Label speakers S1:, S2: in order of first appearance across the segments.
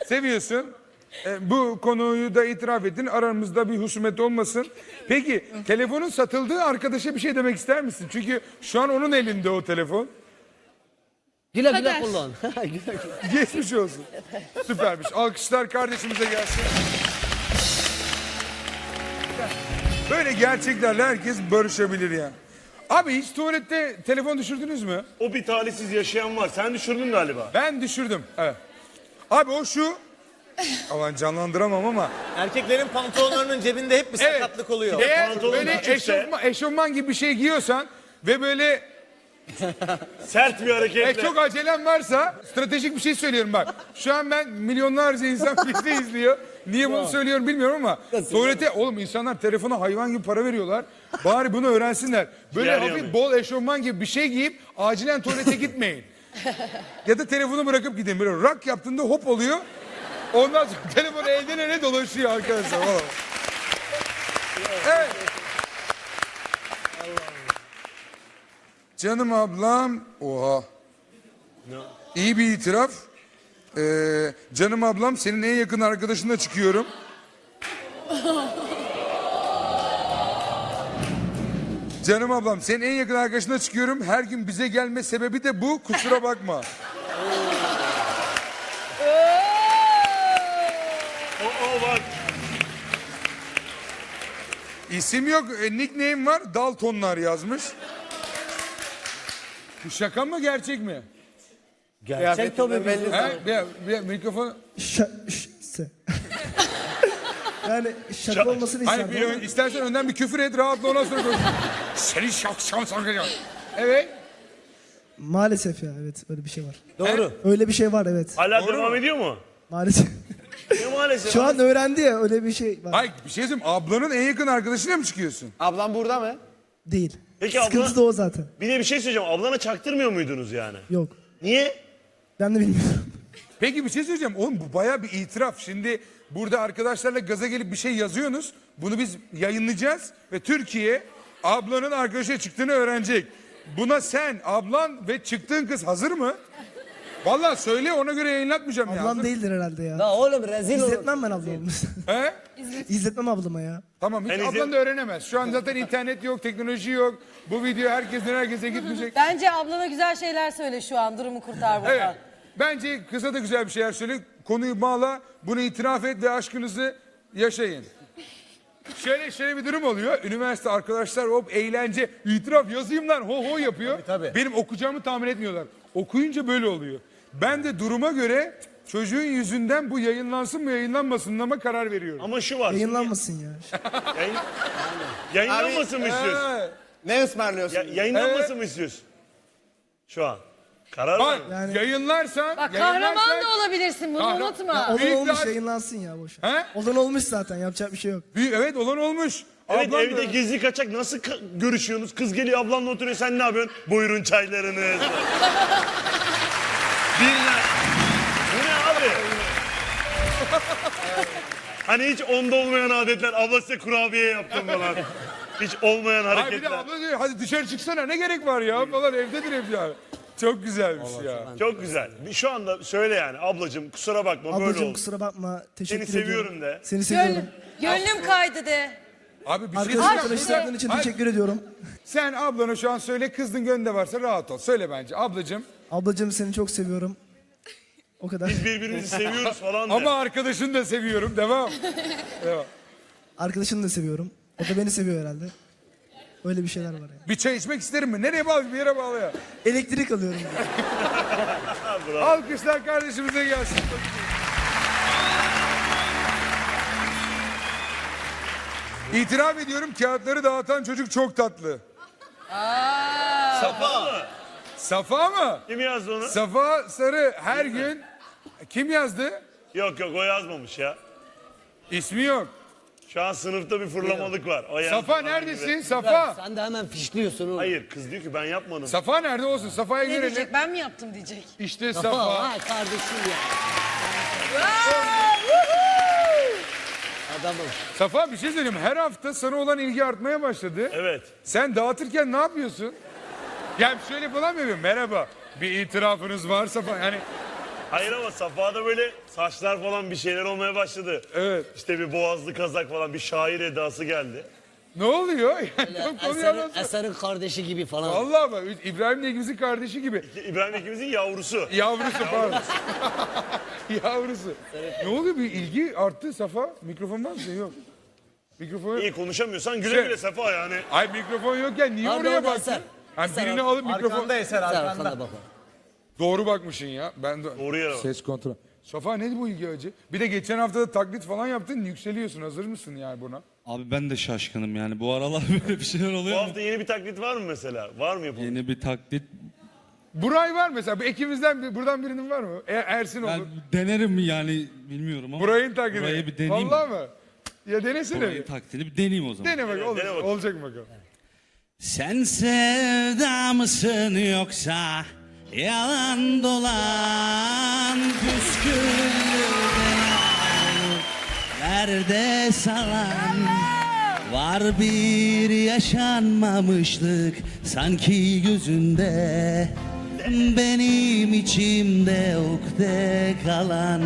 S1: Seviyorsun. Bu konuyu da itiraf ettin. Aramızda bir husumet olmasın. Peki telefonun satıldığı arkadaşa bir şey demek ister misin? Çünkü şu an onun elinde o telefon.
S2: Güle güle kullan. Güle güle.
S1: Geçmiş olsun. Süpermiş. Alkışlar kardeşimize gelsin. Böyle gerçeklerle herkes barışabilir ya. Abi hiç tuvalette telefon düşürdünüz mü?
S3: O bir talihsiz yaşayan var. Sen düşürdün galiba.
S1: Ben düşürdüm. Evet. Abi o şu. Aman canlandıramam ama.
S4: Erkeklerin pantolonlarının cebinde hep bir sakatlık oluyor.
S1: Eğer
S3: pantolon
S1: böyle
S3: küçükse-
S1: eşofman gibi bir şey giyiyorsan ve böyle
S3: Sert bir hareketle.
S1: çok acelem varsa stratejik bir şey söylüyorum bak. Şu an ben milyonlarca insan bizi izliyor. Niye bunu söylüyorum bilmiyorum ama tuvalete oğlum insanlar telefona hayvan gibi para veriyorlar. Bari bunu öğrensinler. Böyle
S3: Yer
S1: hafif
S3: yanıyor.
S1: bol eşofman gibi bir şey giyip acilen tuvalete gitmeyin. Ya da telefonu bırakıp gidin. Böyle rak yaptığında hop oluyor. Ondan sonra telefon elden ele dolaşıyor arkadaşlar. Vallahi. Evet. Canım ablam. Oha. İyi bir itiraf. Canım ablam senin en yakın arkadaşınla çıkıyorum. Canım ablam senin en yakın arkadaşınla çıkıyorum. Her gün bize gelme sebebi de bu. Kusura bakma.
S3: O bak.
S1: İsim yok. Nickname var. Daltonlar yazmış. Bu şaka mı gerçek mi?
S2: Gerçek tabii belli.
S1: He? Bir mikrofon.
S5: Yani şaka olmasını
S1: Hani
S5: isterdim. ama
S1: istersen önden bir küfür et rahatla ondan sonra konuş. Seni şakşam sakacağım. Evet.
S5: Maalesef ya, evet, öyle bir şey var.
S4: Doğru.
S5: Öyle bir şey var, evet.
S3: Hala
S1: Doğru
S3: devam
S1: mu?
S3: ediyor mu?
S5: Maalesef.
S3: Ne maalesef.
S5: Şu an öğrendi ya, öyle bir şey var.
S1: Hayır bir şey söyleyeyim. Ablanın en yakın arkadaşıyla mı çıkıyorsun?
S2: Ablam burada mı?
S5: Değil.
S3: Peki
S5: Sıkıntı
S3: abla-
S5: da o zaten.
S3: Bir de bir şey söyleyeceğim. Ablana çaktırmıyor muydunuz yani?
S5: Yok.
S3: Niye?
S5: Ben de bilmiyorum.
S1: Peki bir şey söyleyeceğim. Oğlum bu bayağı bir itiraf. Şimdi burada arkadaşlarla gaza gelip bir şey yazıyorsunuz. Bunu biz yayınlayacağız. Ve Türkiye ablanın arkadaşa çıktığını öğrenecek. Buna sen, ablan ve çıktığın kız hazır mı? Vallahi söyle ona göre yayınlatmayacağım ya.
S5: Ablam
S1: Hazır-
S5: değildir herhalde ya.
S2: La oğlum rezil olur.
S5: İzletmem ben ablamı.
S1: He?
S5: İzletmem ablama ya.
S1: Tamam hiç
S3: Ben
S1: ablan da öğrenemez. Şu an zaten internet yok, teknoloji yok. Bu video herkese gitmeyecek.
S6: Bence ablana güzel şeyler söyle şu an. Durumu kurtar buradan.
S1: Evet. Bence kıza da güzel bir şeyler söyle. Konuyu bağla, bunu itiraf et ve aşkınızı yaşayın. Şöyle bir durum oluyor. Üniversite arkadaşlar hop eğlence, itiraf yazayım lan ho ho yapıyor.
S4: Tabii.
S1: Benim okuyacağımı tahmin etmiyorlar. Okuyunca böyle oluyor. Ben de duruma göre çocuğun yüzünden bu yayınlansın mı yayınlanmasın mı karar veriyorum.
S3: Ama şu var.
S5: Yayınlanmasın ya.
S3: Yayın... Yayınlanmasın mı istiyorsun?
S1: He.
S2: Ne ısmarlıyorsun?
S3: Yayınlanmasın mı istiyorsun? Şu an. Karar
S1: Bak
S3: ver.
S5: Yani-
S1: yayınlarsan...
S6: Bak
S1: yayınlarsan-
S6: kahraman da olabilirsin bunu
S1: Kahraman-
S6: unutma.
S5: Olan
S1: Büyük
S5: olmuş,
S1: bir-
S5: yayınlansın ya, boş ver.
S1: He?
S5: Olan olmuş zaten, yapacak bir şey yok.
S1: Evet olan olmuş.
S3: Evet
S1: Ablam
S3: evde
S1: da-
S3: gizli kaçak nasıl görüşüyorsunuz? Kız geliyor ablanla oturuyor sen ne yapıyorsun? Buyurun çaylarınız. Birler. Bu ne abi? Hani hiç onda olmayan adetler. Abla size kurabiye yaptım falan. Hiç olmayan
S1: Ay bir de
S3: hareketler.
S1: abla diyor hadi dışarı çıksana ne gerek var ya falan evdedir hep ya. Çok güzelmiş ya.
S3: Çok güzel. Şu anda söyle yani ablacığım kusura bakma böyle
S5: Ablacığım
S3: oldu.
S5: kusura bakma, teşekkür
S3: Seni
S5: ediyorum.
S3: seviyorum de.
S5: Seni seviyorum.
S6: Gönlüm kaydı de.
S1: Abi bir şey
S5: Arkadaşlar
S1: söyleyeceğim.
S5: tanıştırdığın için
S1: Hayır,
S5: teşekkür ediyorum.
S1: sen ablana şu an söyle kızdın gönlünde varsa rahat ol. Söyle bence ablacığım.
S5: Ablacığım seni çok seviyorum. O kadar.
S3: Biz birbirimizi seviyoruz falan de.
S1: Ama arkadaşını da seviyorum. Devam. Devam.
S5: Arkadaşını da seviyorum. O da beni seviyor herhalde. Öyle bir şeyler var yani.
S1: Bir çay içmek isterim mi? Nereye bağlı? Bir yere bağlı ya.
S5: Elektrik alıyorum.
S1: Alkışlar kardeşimize gelsin. İtiraf ediyorum kağıtları dağıtan çocuk çok tatlı.
S3: Safa mı?
S1: Safa mı?
S3: Kim yazdı onu?
S1: Safa Sarı her gün kim yazdı?
S3: Yok o yazmamış ya.
S1: İsmi yok.
S3: Şu an sınıfta bir fırlamalık var. O yazdı
S1: Safa
S3: falan
S1: neredesin?
S3: gibi.
S1: Safa.
S2: Sen de hemen fişliyorsun oğlum.
S3: Hayır kız diyor ki ben yapmadım.
S1: Safa nerede olsun? Safa'ya
S6: Ne
S1: görelim.
S6: diyecek ben mi yaptım diyecek.
S1: İşte
S2: Safa.
S1: Safa.
S2: Ha kardeşim ya. Adamım.
S1: Safa bir şey söyleyeyim. Her hafta sana olan ilgi artmaya başladı.
S3: Evet.
S1: Sen dağıtırken ne yapıyorsun? Yani şöyle falan mı yapıyorsun? Merhaba. Bir itirafınız varsa falan. Yani
S3: Hayır ama Safa'da böyle saçlar falan bir şeyler olmaya başladı.
S1: Evet.
S3: İşte bir boğazlı kazak falan bir şair edası geldi.
S1: Ne oluyor? Yani tam konuyu anlatsana.
S2: Eser'in kardeşi gibi falan.
S1: Vallahi bak İbrahim'le ikimizin kardeşi gibi.
S3: İbrahim ikimizin yavrusu.
S1: Yavrusu pardon. Yavrusu. Ne oluyor, bir ilgi arttı Safa? Mikrofon var mı? Yok. Mikrofon yok.
S3: İyi konuşamıyorsan güle
S1: Şey-
S3: güle Safa yani.
S1: Ay mikrofon yokken niye
S2: Abi
S1: oraya
S2: orada
S1: baktın?
S2: Eser.
S1: Hani
S2: Eser
S1: birini
S2: abi.
S1: alıp mikrofon...
S4: Arkanda Eser
S2: Eser
S4: arkanda.
S2: arkanda bak.
S1: Doğru bakmışsın ya. Ben de...
S3: Doğru yere bak.
S1: Ses kontrol. Safa neydi bu ilgi acı? Bir de geçen hafta da taklit falan yaptın, yükseliyorsun. Hazır mısın yani buna?
S7: Abi ben de şaşkınım yani. Bu aralar böyle bir şeyler
S3: Bu
S7: oluyor mu?
S3: hafta yeni bir taklit var mı mesela? Var mı yapalım?
S7: Yeni bir taklit.
S1: Buray var mesela. Bu ekibimizden buradan birinin var mı? Ersin olur.
S7: Ben denerim mi yani bilmiyorum ama.
S1: Burayın taklidi.
S7: Burayı bir deneyeyim.
S1: Vallahi mı? Ya denesene
S7: Burayın
S1: bir.
S7: taklidini bir deneyeyim o zaman.
S1: Dene bak, olur.
S3: dene bakalım.
S1: Olacak mı bakalım?
S7: Sen sevda mısın yoksa yalan dolan püsküllerde nerede salan var bir yaşanmamışlık sanki gözünde benim içimde ukde kalan.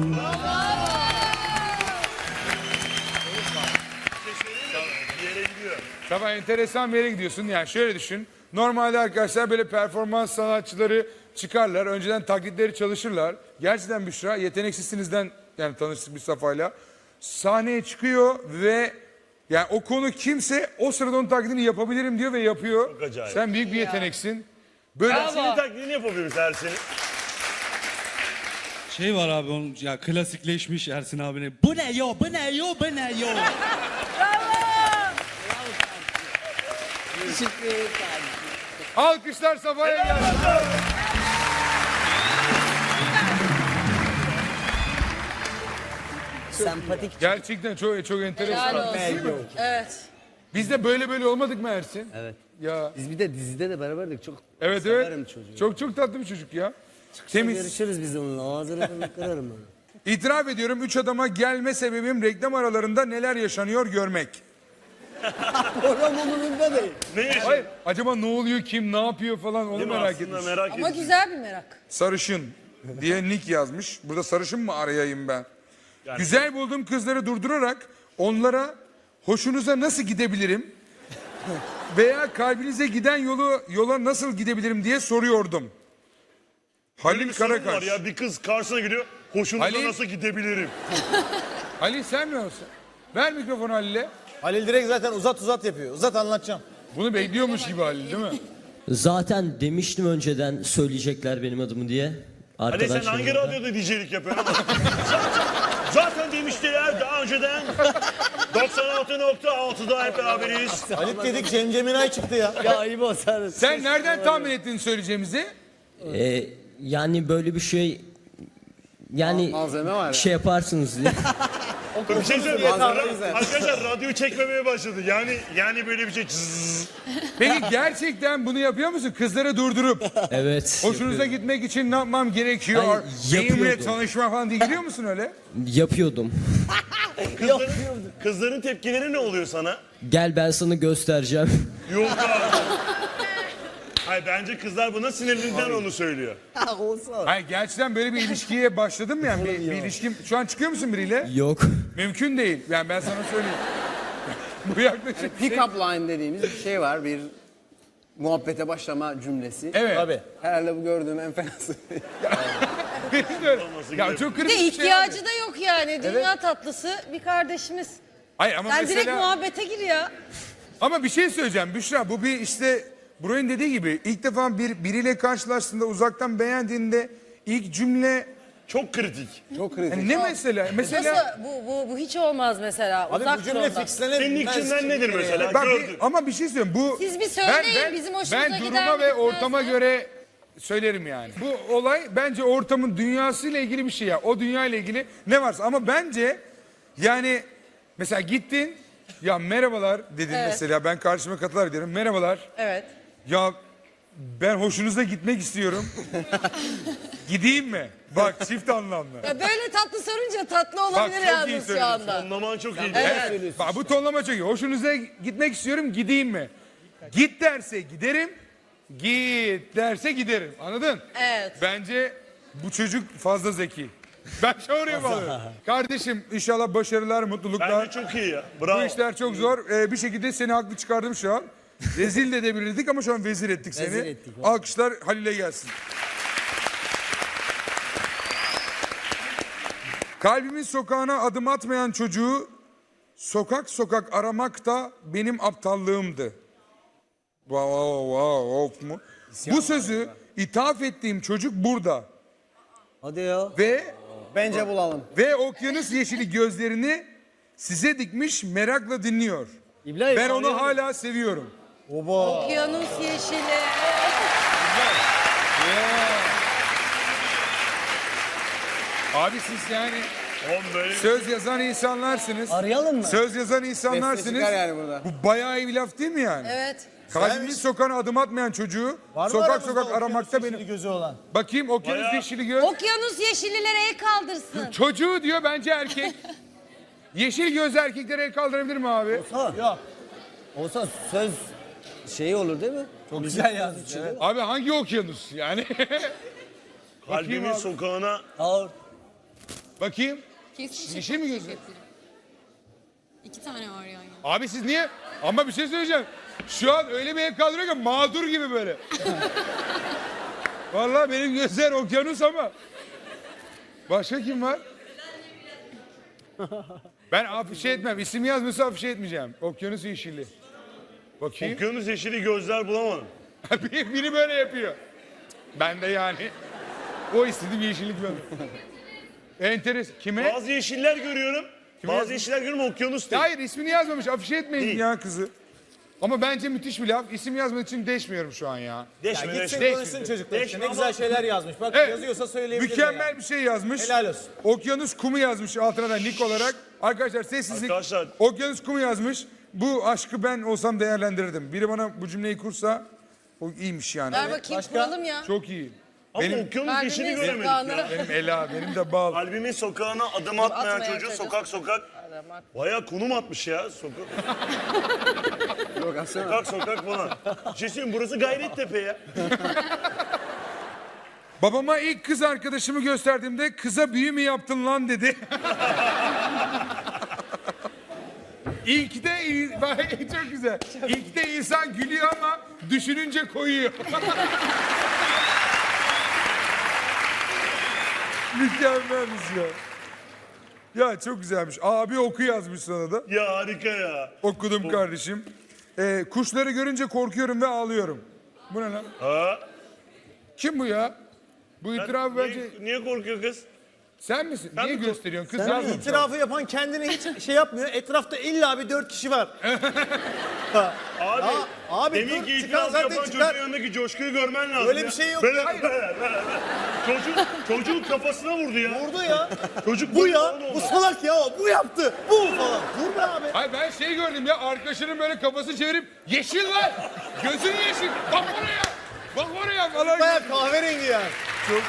S3: Bir yere gidiyor.
S1: Tamam, enteresan bir yere gidiyorsun. Yani şöyle düşün. Normalde arkadaşlar böyle performans sanatçıları çıkarlar. Önceden taklitleri çalışırlar. Gerçekten Büşra, yeteneksizsinizden yani tanıştık bir Safa'yla. Sahneye çıkıyor ve yani o konu kimse o sırada onun taklidini yapabilirim diyor ve yapıyor.
S3: Çok acayip.
S1: Sen büyük bir yeteneksin. Böyle
S3: Ersin'in taklidini yapabiliriz Ersin'in.
S7: Şey var abi onun ya klasikleşmiş Ersin abine. Bu ne yo, bu ne yo, bu ne yo.
S2: Teşekkür ederim.
S1: alkışlar Safa'ya gelsin.
S2: Sempatik.
S1: Gerçekten çok enteresan.
S6: Helal olsun.
S1: Değil mi?
S6: Evet.
S1: Biz de böyle olmadık mı Ersin?
S2: Evet.
S1: Ya
S2: Biz bir de dizide de beraberdik. Çok
S1: evet
S2: severim çocuğu.
S1: Çok tatlı bir çocuk ya. Temiz.
S2: Görüşürüz biz onunla. Ağzını kırarım onu.
S1: İtiraf ediyorum, 3 adama gelme sebebim reklam aralarında neler yaşanıyor görmek.
S2: Program umurumda değil.
S3: Ne yaşıyor?
S1: Hayır, acaba ne oluyor, kim ne yapıyor falan onu
S3: Değil mi?
S1: merak
S3: Aslında
S1: etmiş.
S3: merak
S6: Ama
S3: ettim.
S6: güzel bir merak.
S1: Sarışın diye nick yazmış. Burada sarışın mı arayayım ben? Güzel bulduğum kızları durdurarak onlara hoşunuza nasıl gidebilirim veya kalbinize giden yola nasıl gidebilirim diye soruyordum.
S3: Böyle
S1: Halil
S3: bir sorun var
S1: Karakaş.
S3: ya, bir kız karşısına gidiyor. Hoşunuza
S1: Halil-
S3: nasıl gidebilirim?
S1: Halil sen mi olsun? Ver mikrofonu Halil'e.
S4: Halil direkt zaten uzat yapıyor. Uzat anlatacağım.
S1: Bunu bekliyormuş gibi Halil değil mi?
S8: Zaten demiştim önceden söyleyecekler benim adımı diye.
S3: Hani sen
S8: Arkadaşlarım
S3: hangi
S8: da.
S3: radyoda DJ'lik yapıyorsun? zaten demiştiler daha önceden. 96.6'da hep beraberiz.
S4: Halit dedik Cemcem'in çıktı ya.
S2: Ya ayıp olsa.
S1: Sen nereden tahmin ettin söyleyeceğimizi?
S8: Yani böyle bir şey yani
S2: Malzeme var ya.
S8: şey yaparsınız diye.
S3: Bir şey söyleyeyim.
S4: Malzeme güzel.
S3: Arkadaşlar radyoyu çekmemeye başladı. Yani böyle bir şey. Czzz.
S1: Peki gerçekten bunu yapıyor musun? Kızları durdurup
S8: Evet.
S1: hoşunuza gitmek için ne yapmam gerekiyor?
S8: Ay,
S1: Benimle
S8: yapıyordum.
S1: tanışma falan diye gidiyor musun öyle?
S8: Yapıyordum.
S3: Kızların tepkileri ne oluyor sana?
S8: Gel ben sana göstereceğim.
S3: Yok abi. Hayır, bence kızlar buna sinirlerinden onu söylüyor.
S2: Olsa.
S1: Hayır, gerçekten böyle bir ilişkiye başladın mı yani? Bir ilişkim... Şu an çıkıyor musun biriyle?
S8: Yok.
S1: Mümkün değil. Yani ben sana söyleyeyim. Bu yaklaşık...
S9: Pick-up line dediğimiz bir şey var. Bir muhabbete başlama cümlesi.
S1: Evet.
S4: Tabii.
S9: Herhalde bu gördüğüm en fenası.
S1: Ya çok
S6: Bir
S1: kritik
S6: de
S1: bir şey.
S6: ihtiyacı
S1: abi.
S6: da yok yani. Dünya tatlısı bir kardeşimiz.
S1: Hayır ama
S6: Sen
S1: mesela...
S6: direkt muhabbete gir ya.
S1: Ama bir şey söyleyeceğim Büşra. Bu bir işte... Burayın dediği gibi ilk defa biriyle karşılaştığında uzaktan beğendiğinde ilk cümle...
S3: Çok kritik.
S9: Çok kritik.
S1: Yani ne mesela? Mesela...
S6: Nasıl? Bu hiç olmaz mesela.
S4: Abi
S6: Uzak
S4: bu
S6: dur
S4: cümle
S6: ondan.
S4: fixlenemez.
S3: Senin ilk cümlen nedir mesela?
S1: Bak
S3: Gördün.
S1: ama bir şey söyleyeyim. Bu
S6: Siz bir söyleyin, bizim hoşumuza
S1: ben
S6: gider
S1: duruma
S6: mi,
S1: ve
S6: gitmez
S1: ortama
S6: mi?
S1: göre söylerim yani. Bu olay bence ortamın dünyasıyla ilgili bir şey ya. O dünya ile ilgili ne varsa ama bence yani mesela gittin ya merhabalar dedin
S6: Evet.
S1: mesela ben karşıma katılar derim. Merhabalar.
S6: Evet.
S1: Ya ben hoşunuza gitmek istiyorum. Gideyim mi? Bak çift anlamlı.
S6: Ya böyle tatlı sorunca tatlı olabilir
S1: çok iyi
S6: yalnız şu
S1: söylüyorsun.
S6: anda.
S3: Anlaman çok iyi.
S1: Evet. Bak bu tonlama çok iyi. Hoşunuza gitmek istiyorum, gideyim mi? Git derse giderim, git derse giderim. Anladın?
S6: Evet.
S1: Bence Bu çocuk fazla zeki. Ben şu oraya bağlıyorum. Kardeşim inşallah başarılar, mutluluklar.
S3: Bence çok iyi ya. Bravo.
S1: Bu işler çok zor. Bir şekilde seni haklı çıkardım şu an. Rezil de edebilirdik ama şu an vezir ettik seni.
S2: Vezir ettik.
S1: Alkışlar Halil'e gelsin. Kalbimin sokağına adım atmayan çocuğu sokak sokak aramak da benim aptallığımdı. Wow, mu? Bu sözü ithaf ettiğim çocuk burada.
S2: Hadi ya.
S4: Bence bulalım.
S1: Ve okyanus yeşili gözlerini size dikmiş merakla dinliyor.
S2: İbrahim,
S1: Ben onu
S2: arıyorum.
S1: hala seviyorum.
S6: Okyanus yeşili.
S1: Abi siz yani
S3: Oğlum böyle
S1: söz yazan insanlarsınız.
S2: Arayalım mı?
S1: Söz yazan
S9: Beste
S1: insanlarsınız.
S9: çıkar yani burada.
S1: Bu bayağı iyi bir laf değil mi yani?
S6: Evet.
S1: Kalbimin sokağına adım atmayan çocuğu
S4: Var mı
S1: sokak
S4: aramızda
S1: sokak
S4: okyanus
S1: aramakta
S4: yeşili
S1: benim.
S4: gözü olan.
S1: Bakayım okyanus
S3: Bayağı-
S1: yeşili göz.
S6: Okyanus yeşillilere el kaldırsın.
S1: Çocuğu diyor bence erkek. Yeşil gözlü erkeklere el kaldırabilir mi abi?
S4: Yok.
S2: Olsa söz şeyi olur değil mi?
S4: Çok güzel yazmış. Evet.
S1: Abi hangi okyanus yani?
S3: kalbimin
S1: abi.
S3: sokağına
S2: Ağır.
S1: Bakayım.
S10: Kesin
S1: Yeşil mi gözü?
S10: 2 tane var yani.
S1: Abi siz niye? Ama bir şey söyleyeceğim. Şu an öyle bir el kaldırıyor ki mağdur gibi böyle. Vallahi benim gözler okyanus ama. Başka kim var? Ben afişe etmem. İsim yazmıyorsa afişe etmeyeceğim. Okyanus yeşili. Bakayım.
S3: okyanus yeşili gözler bulamadım.
S1: Biri böyle yapıyor. Ben de yani. O istediğim yeşillik böyle. Enteresan. Kime?
S3: Bazı yeşiller görüyorum. Bazı yeşiller görüyorum okyanus değil.
S1: Hayır ismini yazmamış. Afişe etmeyin
S3: Değil.
S1: ya kızı. Ama bence müthiş bir laf. İsim yazmak için deşmiyorum şu an ya.
S4: Ya
S3: Deşme
S4: gitsin
S3: deşme.
S4: konuşsun çocuklar işte.
S3: Değişme
S4: Ne güzel
S3: ama-
S4: şeyler yazmış. Bak
S1: Evet.
S4: yazıyorsa söyleyebilir.
S1: Mükemmel bir şey yazmış.
S4: Helal olsun.
S1: Okyanus kumu yazmış altına da nick olarak. Arkadaşlar sessizlik.
S3: Arkadaşlar.
S1: Okyanus kumu yazmış. Bu aşkı ben olsam değerlendirirdim. Biri bana bu cümleyi kursa o iyiymiş yani.
S6: Ver bakayım
S4: başka?
S6: kuralım ya.
S1: Çok iyi.
S3: Ama
S1: Benim,
S3: okyanus yeşili
S6: Kalbimin
S3: göremedik
S6: sokağına.
S3: ya.
S1: benim Ela, benim de bal.
S3: Kalbimin sokağına adım atmayan
S6: atmayan
S3: çocuğu
S6: çocuk.
S3: sokak sokak. Baya konum atmış ya.
S9: Yok aslında.
S3: Sokak sokak falan. Bir şey söyleyeyim burası Gayrettepe ya.
S1: Babama ilk kız arkadaşımı gösterdiğimde kıza büyü mü yaptın lan dedi. İlk de çok güzel. İlk de insan gülüyor ama düşününce koyuyor. Mükemmelmiş ya. Ya çok güzelmiş. Abi oku yazmış sana da.
S3: Ya harika ya.
S1: Okudum kardeşim. Kuşları görünce korkuyorum ve ağlıyorum. Bu ne lan?
S3: Ha?
S1: Kim bu ya? Bu itirafı bence...
S3: Niye korkuyor kız?
S1: Sen misin?
S3: Sen
S1: Niye
S3: mi
S1: gösteriyorsun? Kız yazmış.
S4: İtirafı yapan kendine hiç şey yapmıyor. Etrafta illa bir 4 kişi var. Ha.
S3: Abi,
S4: Ya, abi
S3: demin
S4: dur,
S3: ki
S4: çıkar
S3: itiraf
S4: zaten
S3: yapan
S4: çıkar.
S3: çocuğun yanındaki coşkuyu görmen lazım
S4: Öyle
S3: ya.
S4: bir şey yok.
S3: Böyle,
S4: Hayır.
S3: böyle. Çocuğun kafasına vurdu ya.
S4: Vurdu ya.
S3: Çocuk
S4: Bu
S3: böyle
S4: ya.
S3: oldu
S4: Bu
S3: ona.
S4: salak ya. Bu yaptı. Bu falan. Dur be abi.
S1: Hayır ben şey gördüm ya arkadaşının böyle kafasını çevirip yeşil lan. Gözün yeşil. Bak oraya. Bak oraya falan.
S4: Baya kahverengi yani. Çok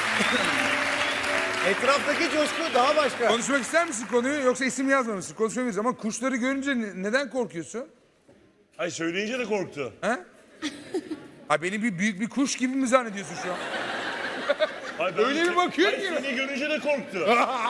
S4: Etraftaki coşku daha başka.
S1: Konuşmak ister misin konuyu yoksa isim yazmamışsın? Konuşmayız ama kuşları görünce neden korkuyorsun?
S3: Ay söyleyince de korktu.
S1: He? Ha beni büyük bir kuş gibi mi zannediyorsun şu an?
S3: Ay, ben
S1: Öyle bir bakıyor
S3: Ay,
S1: ki.
S3: seni görünce de korktu.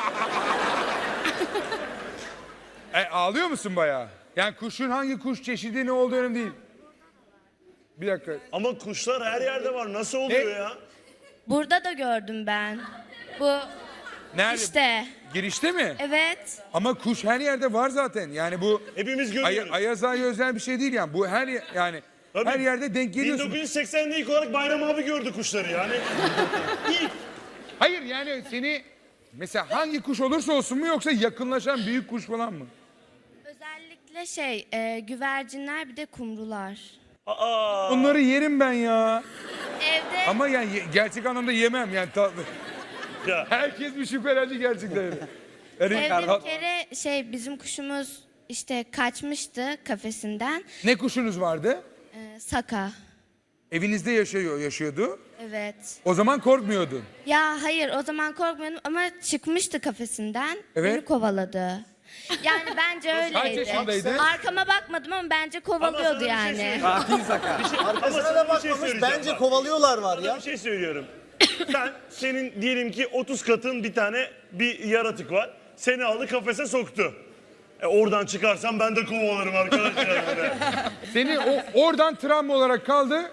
S1: Ağlıyor musun bayağı? Yani kuşun hangi kuş çeşidi ne olduğu önemli değil. Bir dakika.
S3: Ama kuşlar her yerde var. Nasıl oluyor
S1: Ne?
S3: ya?
S10: Burada da gördüm ben. Bu
S1: Nerede?
S10: işte.
S1: Girişte mi?
S10: Evet.
S1: Ama kuş her yerde var zaten. Yani bu
S3: Hepimiz görüyoruz.
S1: Ayaz Ağa'ya özel bir şey değil yani. Bu yani
S3: Tabii.
S1: her yerde denk geliyorsun.
S3: 1980'de ilk olarak Bayram abi gördü kuşları yani. İlk.
S1: Hayır yani seni mesela hangi kuş olursa olsun mu yoksa yakınlaşan büyük kuş falan mı?
S10: Özellikle güvercinler bir de kumrular.
S3: Aa.
S1: Onları yerim ben ya.
S10: Evde
S1: Ama yani gerçek anlamda yemem yani tatlı.
S3: Ya.
S1: Herkes bir şüphelendi gerçekten öyle. Yani,
S10: evde bir kere bizim kuşumuz işte kaçmıştı kafesinden.
S1: ne kuşunuz vardı?
S10: Saka.
S1: Evinizde yaşıyordu.
S10: Evet.
S1: O zaman korkmuyordun.
S10: Ya hayır o zaman korkmuyordum ama çıkmıştı kafesinden.
S1: Evet.
S10: Beni kovaladı. Yani bence öyleydi.
S1: Kaç yaşındaydın?
S10: Arkama bakmadım ama bence kovalıyordu yani.
S4: Arkasına
S3: Ama
S4: da
S3: sana bir şey
S4: bakmamış.
S3: söyleyeceğim
S4: Bence
S3: bak.
S4: kovalıyorlar var ya.
S3: Bir şey söylüyorum. Senin diyelim ki 30 katın bir tane bir yaratık var. Seni aldı kafese soktu. Oradan çıkarsam ben de kovalarım arkadaşlar.
S1: Seni oradan travma olarak kaldı.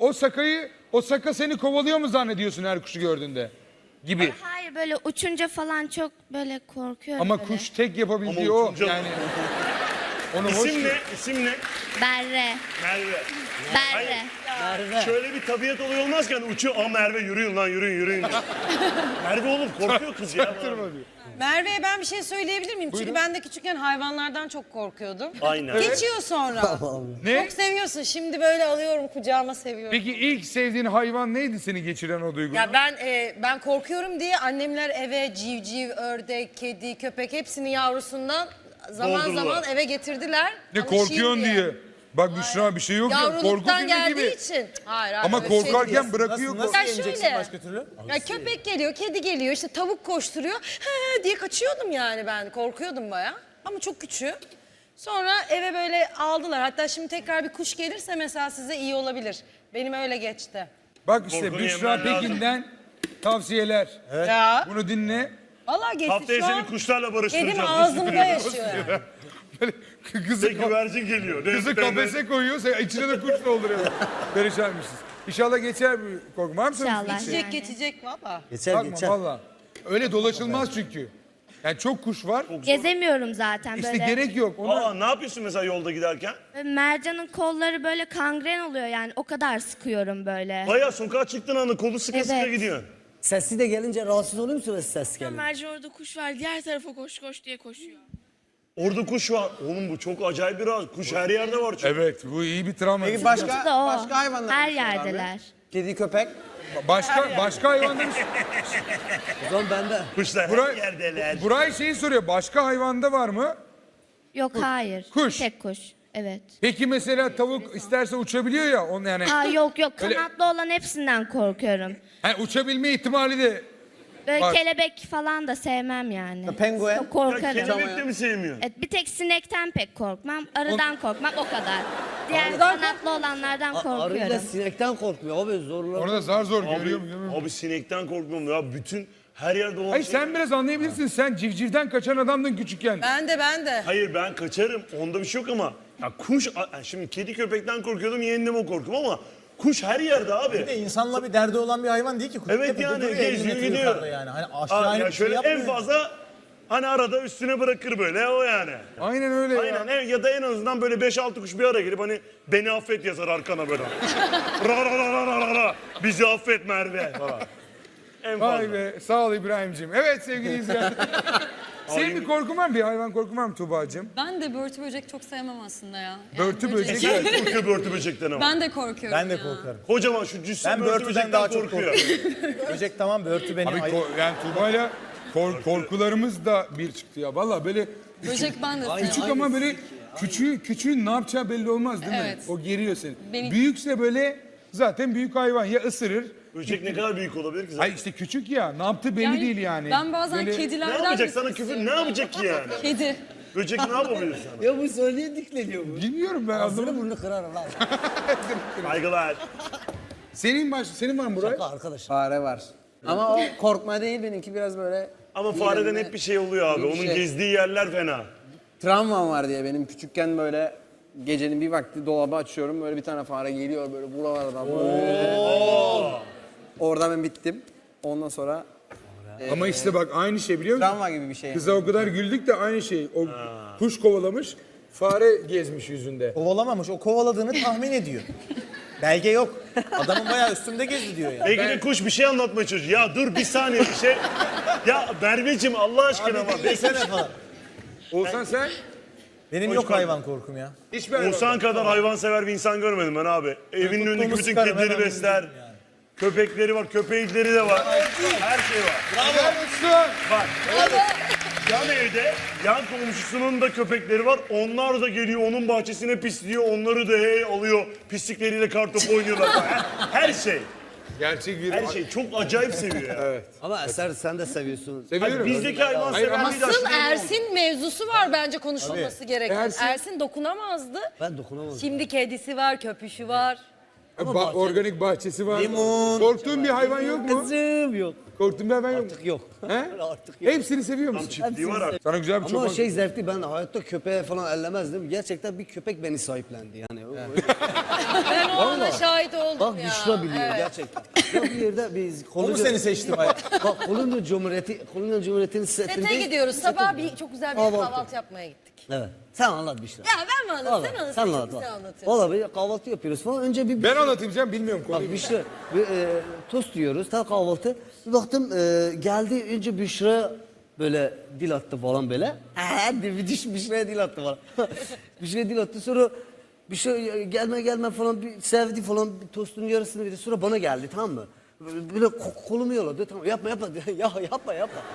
S1: O saka seni kovalıyor mu zannediyorsun her kuşu gördüğünde? Gibi.
S10: Hayır böyle uçunca falan çok böyle korkuyorum.
S1: Ama
S10: böyle.
S1: kuş tek yapabildiği
S3: Ama
S1: o.
S3: uçunca-
S1: Yani onu hoş.
S3: İsim ne? İsim ne?
S10: Berre.
S3: Merve.
S10: Berre.
S3: Şöyle bir tabiat olayı olmaz ki hani uçuyor. Aa Merve yürüyün lan yürüyün. Merve oğlum korkuyor kız ya.
S6: Merve'ye ben bir şey söyleyebilir miyim? Çünkü ben de küçükken hayvanlardan çok korkuyordum.
S3: Aynen.
S6: Geçiyor sonra.
S1: Ne?
S6: Çok seviyorsun. Şimdi böyle alıyorum kucağıma seviyorum.
S1: Peki ilk sevdiğin hayvan neydi seni geçiren o duyguyu?
S6: Ya ben korkuyorum diye annemler eve civciv, ördek, kedi, köpek hepsini yavrusundan zaman
S3: Doldurdular.
S6: zaman eve getirdiler.
S1: Ne
S6: Alışayım
S1: korkuyorsun diye. Bak Büşra bir şey yok ya. Korku
S6: Yavruluktan
S1: filmi
S6: geldiği
S1: gibi.
S6: için. Hayır,
S1: Ama
S6: öyle bir şey
S1: korkarken
S6: değil.
S1: bırakıyor.
S4: Nasıl
S6: Ya
S4: yeneceksin
S6: şöyle.
S4: başka türlü?
S6: Ya köpek geliyor, kedi geliyor, işte tavuk koşturuyor. He diye kaçıyordum yani ben. Korkuyordum baya. Ama çok küçüğüm. Sonra eve böyle aldılar. Hatta şimdi tekrar bir kuş gelirse mesela size iyi olabilir. Benim öyle geçti.
S1: Bak işte
S3: Korkunu
S1: Büşra
S3: yemen lazım.
S1: Pekin'den tavsiyeler.
S6: Ya.
S1: Bunu dinle.
S6: Vallahi geçti.
S3: Haftaya
S6: Şu
S3: seni
S6: an
S3: kuşlarla barıştıracağız.
S6: kedim
S3: Nasıl
S6: ağzımda
S3: biliyorsun?
S6: yaşıyor yani.
S1: Kızı,
S3: Ve güvercin geliyor.
S1: kızı kafese koyuyor, sen içine de kuş dolduruyor. Perişanmışsınız. İnşallah geçer bu korku. Var mı senin
S10: İnşallah.
S1: bir şey?
S6: Geçecek valla.
S4: Geçer
S1: Bakma valla. Öyle dolaşılmaz çünkü. Yani çok kuş var.
S10: Gezemiyorum zaten
S1: İşte
S10: böyle.
S1: gerek yok. Ona
S3: Aa ne yapıyorsun mesela yolda giderken?
S10: Mercan'ın kolları böyle kangren oluyor yani o kadar sıkıyorum böyle.
S3: Bayağı sokağa çıktığın anda kolu sıka sıka
S10: Evet.
S3: gidiyorsun.
S2: Sesli de gelince rahatsız oluyor musunuz ses gelince?
S11: Mercan orada kuş var. Diğer tarafa koş koş diye koşuyor.
S3: Orada kuş var. Oğlum bu çok acayip bir rahat. Kuş her yerde var çünkü.
S1: evet bu iyi bir travma.
S9: Peki
S10: Bu
S9: başka
S10: da o.
S9: başka hayvanlar
S10: Her
S9: var mı abi?
S10: yerdeler.
S9: Kedi, köpek.
S1: Başka hayvandan
S2: O zaman bende.
S3: Kuşlar her
S1: Buray,
S3: yerdeler.
S1: Buray şeyi soruyor. Başka hayvanda var mı?
S10: Yok hayır.
S1: Kuş.
S10: Tek kuş. Evet.
S1: Peki mesela tavuk isterse uçabiliyor ya. Onu yani.
S10: Aa yok
S1: Öyle-
S10: kanatlı olan hepsinden korkuyorum.
S1: Yani uçabilme ihtimali de
S10: Böyle
S1: Var.
S10: kelebek falan da sevmem yani.
S9: Penguen.
S10: Çok
S3: Ya
S10: korkarım.
S3: kelebek de mi sevmiyorsun?
S10: Evet, bir tek sinekten pek korkmam. Arıdan korkmam o kadar. Diğer kanatlı olanlardan
S2: Arıyla
S10: korkuyorum.
S2: sinekten korkmuyor abi zorla.
S1: onu da zar zor görüyor mu?
S3: Abi sinekten korkmuyorum ya. Bütün her yerde olan
S1: Hayır
S3: şey.
S1: sen biraz anlayabilirsin. Sen civcivden kaçan adamdın küçükken.
S6: Ben de.
S3: Hayır ben kaçarım. Onda bir şey yok ama. Ya kuş, şimdi kedi köpekten korkuyordum yendim o korkum ama kuş her yerde abi.
S4: Bir de insanla bir derdi olan bir hayvan değil ki. Kuş
S3: Evet
S4: tepede
S3: yani,
S4: duruyor, 50
S3: geziyor,
S4: metre
S3: gidiyor.
S4: yukarıda Yani. Hani aşağı
S3: Ya
S4: inip bir şey
S3: şöyle
S4: yapmıyor.
S3: en fazla hani arada üstüne bırakır böyle o yani.
S1: Aynen öyle ya.
S3: Aynen ya da en azından böyle 5-6 kuş bir ara gelip hani beni affet yazar arkana böyle. Ra ra ra ra ra ra. Bizi affet Merve falan. En
S1: Vay
S3: fazla.
S1: be sağ ol İbrahim'ciğim. Evet sevgili izleyenler. Senin bir korkun var mı? Bir hayvan korkun var mı Tuğba'cığım?
S11: Ben de börtü böcek çok sevmem aslında ya.
S1: Börtü böcek.
S3: Sen korkuyor börtü böcekten ama.
S11: Ben de korkuyorum
S4: Ben de
S11: ya.
S4: korkarım.
S3: Kocaman şu cüssü
S4: Ben
S3: börtü
S4: börtüden
S3: böcekten
S4: daha çok
S3: korkuyor.
S4: Böcek tamam, börtü beni
S1: Abi
S4: ayıp.
S1: yani Tuğba'yla korkularımız da bir çıktı ya. Valla böyle
S11: Böcek ben de
S1: küçük ama böyle küçüğün ne yapacağı belli olmaz değil mi?
S11: Evet.
S1: O geriyor seni.
S11: Beni-
S1: Büyükse böyle zaten büyük hayvan ya ısırır.
S3: Böcek ne kadar büyük olabilir ki zaten?
S1: Ay işte küçük ya ne yaptığı belli değil yani.
S11: Ben bazen
S1: Böyle-
S3: Ne
S11: kedilerden
S3: yapacak
S11: de
S3: sana
S11: tırsıyorum.
S3: küfür ne yapacak ki yani?
S11: Kedi.
S3: Böcek ne yapabilir sana?
S2: Ya bu söyleye dikleniyor bu.
S1: Bilmiyorum ben
S2: Ağzını
S1: anlamadım.
S2: burnunu kırarım lan.
S3: Saygılar.
S1: Senin var mı Buray?
S2: Şaka arkadaş.
S9: Fare var. Ama o korkma değil, benimki biraz böyle
S3: Ama fareden hep bir şey oluyor abi.
S9: Bir
S3: Onun
S9: şey.
S3: gezdiği yerler fena.
S9: travmam var diye benim küçükken böyle gecenin bir vakti dolabı açıyorum, böyle bir tane fare geliyor böyle buralardan böyle. Orada ben bittim. Ondan sonra
S1: Ama işte bak aynı şey biliyor musun?
S9: travma gibi bir şey.
S1: Kıza o kadar güldük de aynı şey. O kuş kovalamış, fare gezmiş yüzünde.
S4: Kovalamamış. O kovaladığını tahmin ediyor. Belge yok. Adamın bayağı üstümde gezdi diyor yani.
S3: Belki de kuş bir şey anlatmaya çalışıyor. Ya dur bir saniye bir şey. Ya Merveciğim Allah aşkına ama.
S4: Desene falan.
S1: Olsan sen
S4: Benim yok hayvan korkum ya.
S1: hiçbir hayvan.
S3: Oğuzhan kadar hayvansever bir insan görmedim ben abi. Evinin önündeki
S4: tuttuğumu
S3: bütün
S4: sıkarım,
S3: kedileri
S4: hemen
S3: besler.
S4: vururum yani.
S3: Köpekleri var, köpekleri de var. Her şey var. Bak. Yan evde, yan komşusunun da köpekleri var. Onlar da geliyor, onun bahçesine pisliyor. Onları da alıyor. Pislikleriyle kartopu oynuyorlar. Her şey.
S1: Gerçek bir
S3: Her şey. Çok acayip seviyor ya.
S2: Ama Eser sen de seviyorsun.
S1: seviyorum.
S3: Bizdeki hayvanseverliği de
S6: Asıl
S3: aşırı
S6: Ersin mevzusu var bence konuşulması gereken.
S1: Ersin-
S6: Ersin dokunamazdı.
S2: Ben dokunamadım.
S6: Şimdi kedisi var, köpüşü var.
S1: Organik bahçesi var.
S4: Limon.
S1: Korktuğun bir hayvan yok mu?
S2: Kızım yok.
S1: Korktuğun bir hayvan yok mu?
S2: Artık yok.
S1: He?
S2: Artık yok.
S1: Hepsini seviyor
S3: Tam
S1: musun?
S3: çiftliği var artık.
S1: Sana güzel bir
S2: Ama
S1: çoban.
S2: şey zevkli, ben hayatta köpeğe falan ellemezdim. Gerçekten bir köpek beni sahiplendi yani.
S6: Ben o ana şahit oldum
S2: Bak
S6: ya.
S2: Büşra biliyor
S6: Evet.
S2: gerçekten. Ya bir yerde biz
S4: O mu seni seçti bayağı?
S2: Bak Kolombiya Cumhuriyeti'nin setinde.
S6: Sete gidiyoruz. Sabah çok güzel bir
S2: Kahvaltı.
S6: kahvaltı yapmaya gittik.
S2: Evet. Sen anlat Büşra.
S6: Ya ben mi anlatayım? Sen anlat.
S2: Sen
S6: Çok
S2: anlat.
S6: güzel anlatıyorsun.
S2: Valla böyle kahvaltı yapıyoruz falan. Önce bir
S1: Ben anlatayım canım bilmiyorum konuyu.
S2: Bak Büşra, tost yiyoruz, tam kahvaltı. Bir baktım geldi, önce Büşra böyle dil attı falan böyle. Büşra'ya dil attı falan. Büşra'ya dil attı, sonra Büşra gelme falan bir sevdi falan, bir tostun yarısını verdi. Sonra bana geldi, tamam mı? Böyle kolumu yoladı, tamam yapma ya yapma.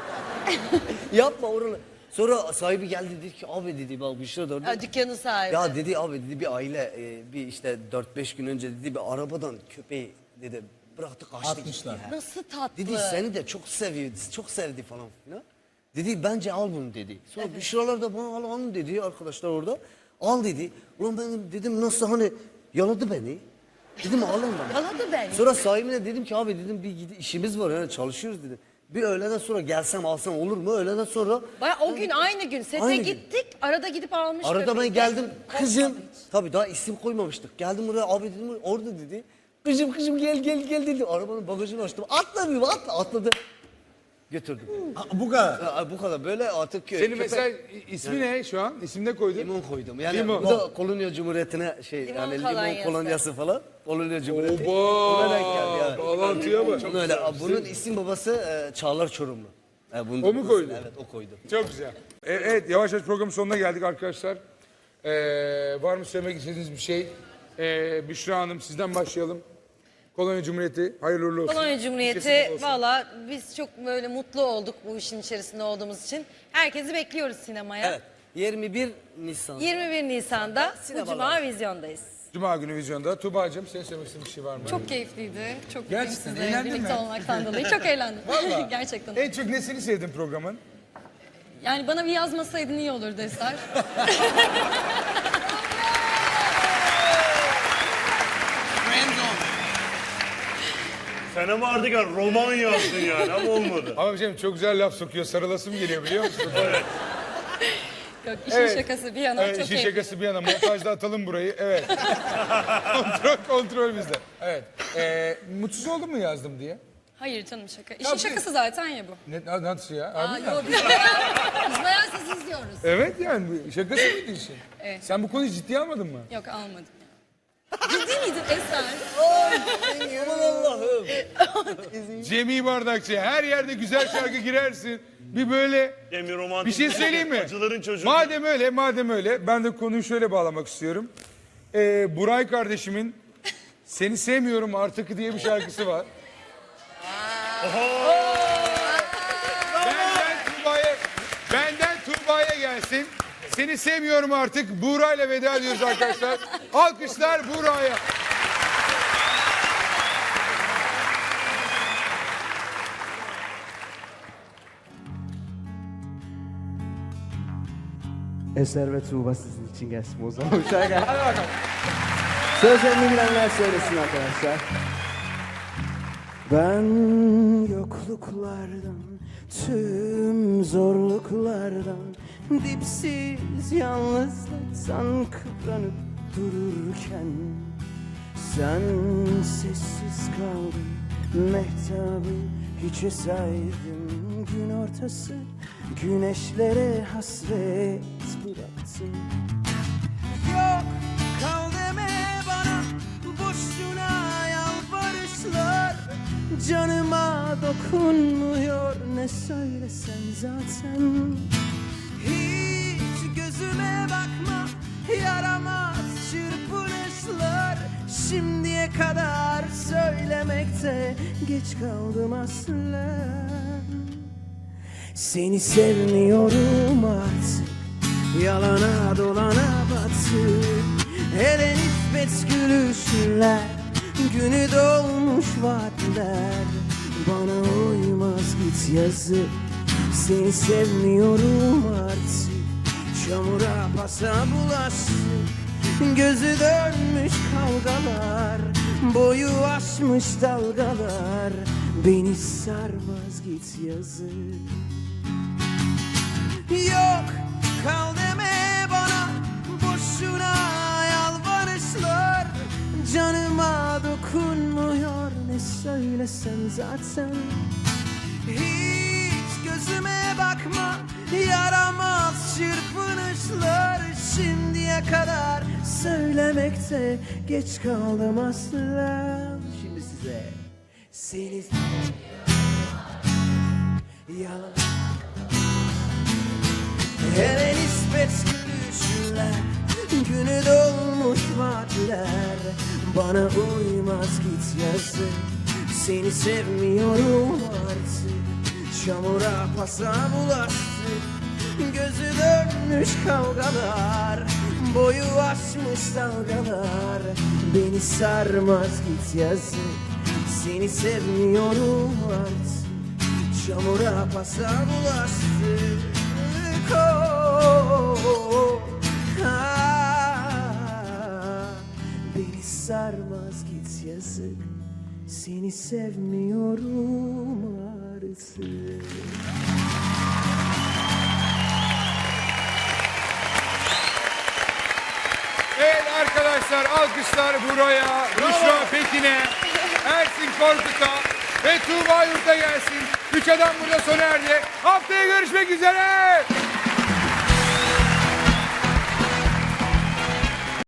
S2: Yapma oralı. Sonra sahibi geldi, dedi ki abi dedi bak Büşra da orada.
S6: Ha, dükkanın sahibi.
S2: Ya dedi abi dedi bir aile bir işte 4-5 gün önce dedi bir arabadan köpeği dedi bıraktı kaçtı gitti ya.
S6: Nasıl tatlı.
S2: Dedi seni de çok seviyor, çok sevdi falan filan. Dedi bence al bunu dedi. Sonra Büşralar da bana al dedi arkadaşlar orada. Al dedi. Ulan ben dedim nasıl hani yaladı beni. Dedim alın bana.
S6: Yaladı beni.
S2: Sonra sahibine dedim ki abi dedim bir işimiz var yani çalışıyoruz dedim. Bir öğleden sonra gelsem alsam olur mu? Öğleden sonra
S6: Baya o gün aynı gün sete
S2: Aynı gün.
S6: gittik. Arada gidip almış.
S2: arada ben
S6: köpeği.
S2: geldim kızım.
S6: Korkmadı hiç.
S2: Tabii daha isim koymamıştık. Geldim oraya abi dedim orada dedi. Kızım gel dedi. Arabanın bagajını açtım. Atla bir atladı. Götürdüm.
S4: Bu kadar.
S2: Bu kadar böyle artık
S1: Senin mesela ismi ne şu an? İsim ne koydun?
S2: limon koydum. Yani
S1: Limon.
S2: bu da Kolonya Cumhuriyeti'ne
S6: Limon
S2: yani
S6: kolonyası.
S2: limon kolonyası falan. Kolonya Cumhuriyeti.
S1: Oba!
S2: Ona denk geldi yani.
S1: Bağlantıya bak.
S2: Öyle. Bunun isim babası Çağlar Çorumlu. Bunun
S1: O mu koydu?
S2: Evet o koydu.
S1: Çok güzel. Evet yavaş yavaş programın sonuna geldik arkadaşlar. Var mı söylemek istediğiniz bir şey? Büşra Hanım sizden başlayalım. Kolonya Cumhuriyeti hayırlı uğurlu olsun.
S6: Kolonya Cumhuriyeti
S1: Kesinlikle olsun.
S6: valla biz çok böyle mutlu olduk bu işin içerisinde olduğumuz için. Herkesi bekliyoruz sinemaya.
S2: Evet. 21 Nisan.
S6: 21 Nisan'da bu
S2: Sinemalar.
S6: cuma vizyondayız.
S1: Cuma günü vizyonda. Tuğba'cığım senin söylemek istediğin bir şey var mı?
S11: Çok keyifliydi. Çok
S1: Gerçekten,
S11: mutluyum
S1: eğlendin
S11: sizle birlikte
S1: mi?
S11: olmaktan dolayı. Çok eğlendim.
S1: Vallahi.
S11: Gerçekten.
S1: En çok nesini sevdin programın?
S11: Yani bana bir yazmasaydın iyi olurdu Eser.
S3: Sen ama artık roman yazdın yani ama olmadı.
S1: Ama bir şey çok güzel laf sokuyor. Sarılasım geliyor biliyor musun?
S11: Yok işin
S1: Evet.
S11: şakası bir yana.
S1: Evet,
S11: çok
S1: işin
S11: keyifli.
S1: şakası bir yana. Montajda atalım burayı. Evet. kontrol bizde. Evet. Mutsuz oldun mu yazdım diye?
S11: Hayır canım şaka. İşin
S1: Tabii.
S11: şakası zaten ya bu.
S1: Nasıl ya?
S6: Aa,
S1: Harbi mi?
S6: yo, biz bayağı sizi izliyoruz.
S1: Evet yani bu şakası mıydı işin?
S11: Evet.
S1: Sen bu konuyu ciddiye almadın mı?
S11: Yok almadım. Ciddi miydin Eser?
S2: Aman Allah'ım.
S1: Cemil Bardakçı her yerde güzel şarkı girersin. Bir böyle
S3: Cemil romantik.
S1: bir şey söyleyeyim mi?
S3: Acıların çocuğu.
S1: Madem öyle ben de konuyu şöyle bağlamak istiyorum. Buray kardeşimin Seni Sevmiyorum Artık diye bir şarkısı var. Benden Tuğba'ya gelsin. Seni sevmiyorum artık. Buğra'yla veda ediyoruz arkadaşlar. Alkışlar Buğra'ya.
S5: Eser ve Tuğba sizin için gelsin o zaman. Hadi bakalım. Sözlerini bilenler söylesin arkadaşlar. Ben yokluklardan, tüm zorluklardan, dipsiz yalnızlıktan kıvranıp dururken, sen sessiz kaldın, mehtabı hiçe saydın, gün ortası güneşlere hasret bıraktın. Yok kal deme bana, boşuna yalvarışlar, canıma dokunmuyor ne söylesen zaten. Hiç gözüme bakma, yaramaz çırpınışlar, şimdiye kadar söylemekte geç kaldım aslen. Seni sevmiyorum artık, yalana dolana battık. Hele nispet gülüşler, günü dolmuş vaatler, bana uymaz git yazık. Seni sevmiyorum artık, çamura pasa bulaştık. Gözü dönmüş kavgalar, Boyu aşmış dalgalar beni sarmaz git yazık. Yok kal deme bana boşuna yalvarışlar. Canıma dokunmuyor ne söylesen zaten. Hiç gözüme bakma yaramaz çırpınışlar. Şimdiye kadar söylemekte geç kaldım asla. Şimdi size seni yalan hele nispet gülüşler, günü dolmuş vaatler. Bana uymaz git yazık, seni sevmiyorum artık. Çamura pasa bulaştık, gözü dönmüş kavgalar. Boyu aşmış dalgalar beni sarmaz git yazık, seni sevmiyorum artık. Çamura pasa bulaştık. Beni sarmaz git yazık, seni sevmiyorum artık.
S1: Evet arkadaşlar alkışlar buraya, Büşra Pekin'e, Ersin Korkut'a ve Tuğba Yurt'a gelsin. Üç adam burada sona erdi. Haftaya görüşmek üzere.